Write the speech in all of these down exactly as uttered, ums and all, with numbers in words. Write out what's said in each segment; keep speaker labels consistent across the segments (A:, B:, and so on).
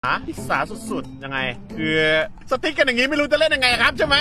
A: หาศึกษาสุดๆยังไงคือสติ๊กกันอย่างนี้ไม่รู้จะเล่นยังไงครับใช่ไหม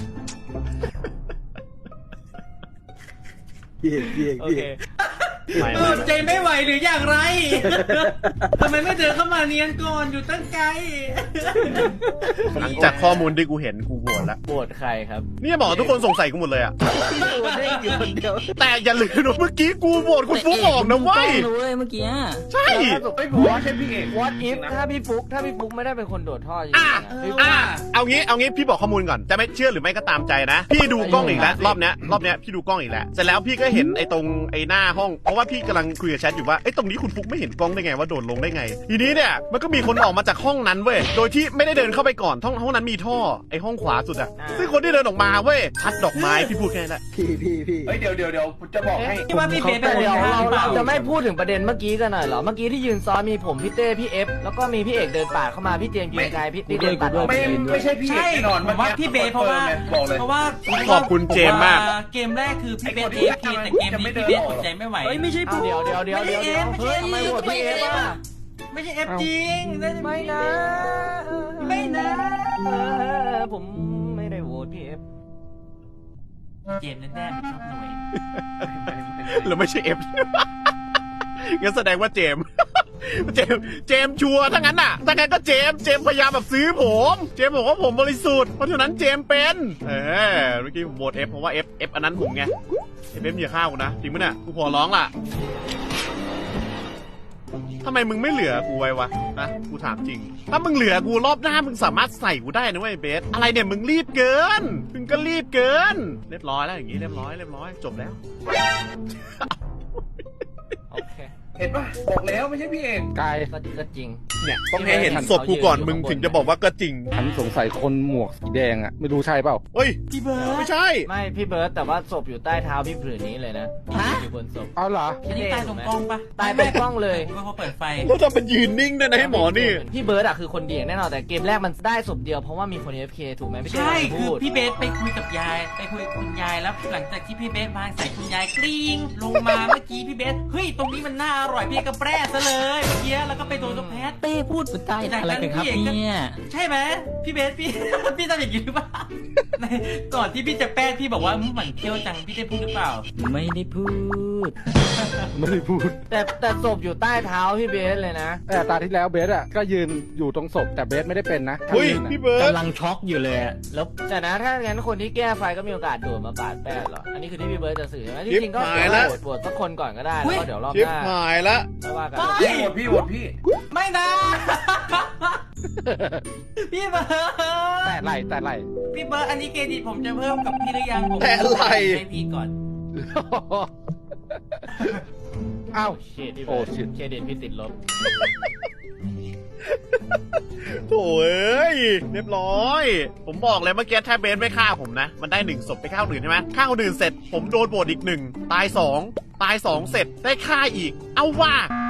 B: พี่พี่พี่
C: เออใจไม่ไหวหรืออย่างไรทำไมไม่เดินเข้ามาเนียนก่อนอยู่ตั้งไกล
A: หลังจากข้อมูลที่กูเห็นกูโหวตแล้ว
D: โหวตใครครับ
A: นี่บอกทุกคนสงสัยกูหมดเลยอะ
B: โหวตได้อยู่คนเดียว
A: แต่อย่าลืมนะเมื่อกี้กูโหวตคุณฟุกออกนะเว้ย
D: เมื่อกี้
A: ใช่
B: ไม่บอกว่าใช่พี่เอก
D: What if ถ้าพี่ฟุกถ้าพี่ฟุกไม่ได้เป็นคนโดดท่อจริง
A: อ่ะอ่ะเอางี้เอางี้พี่บอกข้อมูลก่อนจะไม่เชื่อหรือไม่ก็ตามใจนะพี่ดูกล้องอีกแล้วรอบเนี้ยรอบเนี้ยพี่ดูกล้องอีกแล้วเสร็จแล้วพี่ก็เห็นไอ้ตรงไอ้หน้าห้องเพราะว่าพี่กำลังคุยกับแชทอยู่ว่าไอ้ตรงนี้คุณฟุกไม่เห็นกล้องได้ไงว่าโดดลงได้ไงทีนี้เนี่ยมันก็มีคนออกมาจากห้องนั้นเว้ยโดยที่ไม่ได้เดินเข้าไปก่อนห้องห้องนั้นมีท่อไอ้ห้องขวาสุดอะซึ่งคนที่เดินออกมาเว้ยพัดดอกไม้พี่พูดแค่นั้นแหละ
B: พี่พี่พี่
E: เฮ้ยเดี๋ยวเดี๋ยวเดี๋ยวจะบอกให้
C: ที่ว่าพี่เบสเป็น
D: เดี๋ยว
C: คน
D: เรา
C: เปล่า
D: เราจะไม่พูดถึงประเด็นเมื่อกี้กันหน่อยเหรอเมื่อกี้ที่ยืนซ้อนมีผมพี่เต้พี่เอฟแล้วก็มีพี่เอกเดินปาดเข้ามาพี่เจมส์ยืนไกลพี่พี่เดินตัดออก
E: ไม่ไม่ใช่พี่เอก
C: ใช่
E: แน่นอน
C: ผมว่าพี่เบสเพราะว่า
E: บอกเลย
C: เพราะว่า
A: ขอบคุณเจมส์มาก
C: เกมแรกคือพี่เบสเอฟเคแต่เกมนี้พี่เบสอดใจไม่ไหว
D: เฮ้ยไม่ใช่ผมเดี๋ยวเดี๋ยวเดี๋ยวเดี๋ยวเดี๋ยวเฮ้ยทำไมโหวตพี่เอฟอ่ะ
C: ไม่ใช่เอฟจริง
D: ไม่นะ
C: ไม่นะ
D: ผมไม่ได้โหวตพี่เอฟ
C: เจมส์แน่ๆชอบหน่วย
A: หรือไม่ใช่เอฟงั้นแสดงว่าเจมเจมเจมชัวร์ถ้างั้นน่ะถ้างั้นก็เจมเจมพยายามแบบซื้อผมเจมบอกว่าผมบริสุทธิ์เพราะฉะนั้นเจมเป็นเออเมื่อกี้ผมโหวตเอฟเพราะว่าเอฟเอฟอันนั้นผมไงเอฟเอฟอย่าฆ่ากูนะจริงมั้ยเนี่ยกูขอร้องล่ะทำไมมึงไม่เหลือกูไว้วะนะกูถามจริงถ้ามึงเหลือกูรอบหน้ามึงสามารถใส่กูได้นะเว้ยเบสอะไรเนี่ยมึงรีบเกินมึงก็รีบเกินเรียบร้อยแล้วอย่างงี้เรียบร้อยเรียบร้อยจบแล้ว
D: โอเค
E: เห็นปะบอกแล้วไม่ใช่พี่เอก
F: กาย
D: ก็ก็จริง
A: เนี่ยต้องให้เห็นศพกูก่อนมึงถึงจะบอกว่าก็จริง
F: ฉันสงสัยคนหมวกสีแดงอ่ะไม่รู้ใช่เปล่า
A: เฮ้ย
C: พี่เบิร์ด
A: ไม่ใช่
D: ไม่พี่เบิร์ตแต่ว่าศพอยู่ใต้เท้าพี่ผืนนี้เลยนะอยู่บนศพ
F: เอาเหรอ
C: อันนี้ตายตรงกล้องปะ
D: ตายตรงกล้องเลย
C: ว่าเขาเปิดไฟ
A: แล้วทำเป็นยืนนิ่งด้วยนะให้หมอนี่
D: พี่เบิร์ดอะคือคนเดียงแน่นอนแต่เกมแรกมันได้ศพเดียวเพราะว่ามีคน เอฟ เค ถูกไหมพี่เต้
C: ใช่
D: พู
C: คือ
D: ด
C: พี่เบสไปคุยกับยายไปคุยกับคุณยายแล้วหลังจากที่พี่เบสวางใส่คุณยายกริ๊งลงมาเมื่อกี้พี่เบสเฮ้ยตรงนี้มันน่าอร่อยพี่ก็แปรซะเลยเมื่อกี้แล้วก็ไปโดนตัวแพท
D: เต้พูดสุดใต้อะไรกันครับเนี่ย
C: ใช่ไหมพี่เบสพี่ พี่ทำอย่างนี้หรือเปล่าก่อนที่พี่จะแป้พี่บอกว่าหมั่นเที่ยวจังพี่ได้พูดหรือเปล่า
D: ไม่ได้พูด
F: ไม่ได้พูด
D: แต่แต่ศพอยู่ใต้เท้าพี่เบสเลยนะ
F: แต่ตาที่แล้วเบสอ่ะก็ยืนอยู่ตรงศพแต่เบสไม่ได้เป็นนะ
A: เฮ้ย
F: ยืนอะ
A: พี่เบิร์ด
D: กำลังช็อกอยู่เลยอะแล้วแต่นะถ้างั้นคนที่แก้ไฟก็มีโอกาสโดดมาปาดแป้งหรออันนี้คือที่พี่เบิร์ดจะสื่อใช่ไหมที่จริงก็โหวตโหวตสักคนก่อนก็ได้แล้วก็เดี๋ยวรอบ
A: ชิบ
D: หน้า
A: หายละ
D: ไม่ว่ากัน
E: พี่โหวตพี่โหวตพี่
C: ไม่นะ พี่เบิร์ด
F: แต่ไหลแต่ไหล
C: พี่เบิร์ดอันนี้เครดิตผมจะเพิ่มกับพี่หรือยังผม
A: แต่อะไร
C: ให้พี่ก่อน
F: อ้าว
D: เครดิต
F: โอ้ชิต
D: เครดิตพี่ติดลบ
A: โถ่เอ้ยเรียบร้อย ผมบอกเลยเมื่อกี้ถ้าเบสไม่ฆ่าผมนะ มันได้หนึ่งศพไปฆ่าคนอื่นใช่ไหมฆ่าคนอื่นเสร็จผมโดนโบดอีกหนึ่งตายสองตายสองเสร็จได้ฆ่าอีก เอาว่า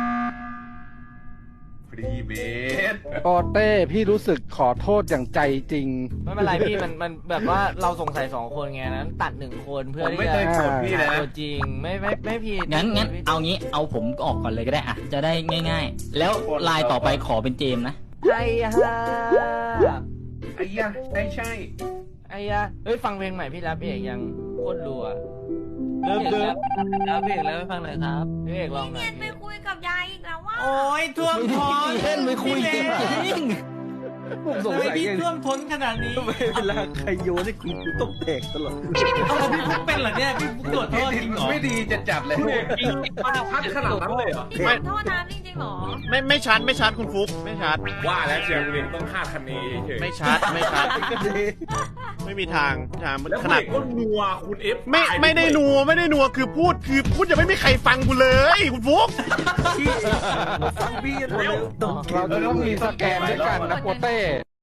E: พี่เบส
F: โปเต้พี่รู้สึกขอโทษอย่างใจจริง
D: ไม่เป็นไรพี่มันมันแบบว่าเราสงสัยสองคนไงนั้นตัดหนึ่งคนเพื่
E: ผ
D: อ
E: ม
D: ที่
E: ไม่
D: จะ
E: เคยโกรธพี่เลย
D: ตั
E: นะ
D: วจริงไม่ไม่ไม่ผิด
G: งั้นงั้นเอางี้เอาผมออกก่อนเลยก็ได้อะจะได้ง่าย ๆ แล้วลายต่อไปขอเป็นเจมส์นะ
D: ไอ้ฮ่า
E: ไอ้ยะใช่ใช่
D: ไอ้ย่าเฮ้ยฟังเพลงใหม่พี่รับพี่เอกยังโคตรรัวเริ่มเริ่มรับพี่เอกแล้วให้ฟังหน่อยครับพี่เอกลองหน่อย
H: ไปคุยกับยายอีกแล้วว่า
C: โอ้ยท่วมท้น
G: เล่นไม่คุยจริง
F: ผมสง
C: ทำไม
F: สัย
C: พี่
F: ไง
C: ท่วมท้นขนาดนี้
B: เวลาใครโยนให้คุณกูต้องแตกตลอด
C: เอาพี่ฟุกเป็นเหรอเนี่ยพี่ฟุกตรวจโทษจริงเหรอ
E: ไม่ดีจัดจัดเลยพัดขนาดนั้นเลยเหรอ
H: พี่ขอโทษนะจริงๆเหรอ
A: ไม่ไม่ชัดไม่ชัดคุณฟุกไม่ชัด
E: ว่าแล้วเชียร์เวงต้องฆ่าคันนี้เฉย
A: ไม่ชัดไม่ชัดไม่มีทางทางมัน
E: แล้ว
A: ขนาด
E: ก็นัวคุณเอฟ
A: ไม่ไม่ได้นัวไม่ได้นัวคือพูดคือพูดยังไม่มีใครฟังกูเลยคุณฟุก
B: พี่แล้ว
F: เราจะต้องมีสแกนด้วยกันนะโปเต้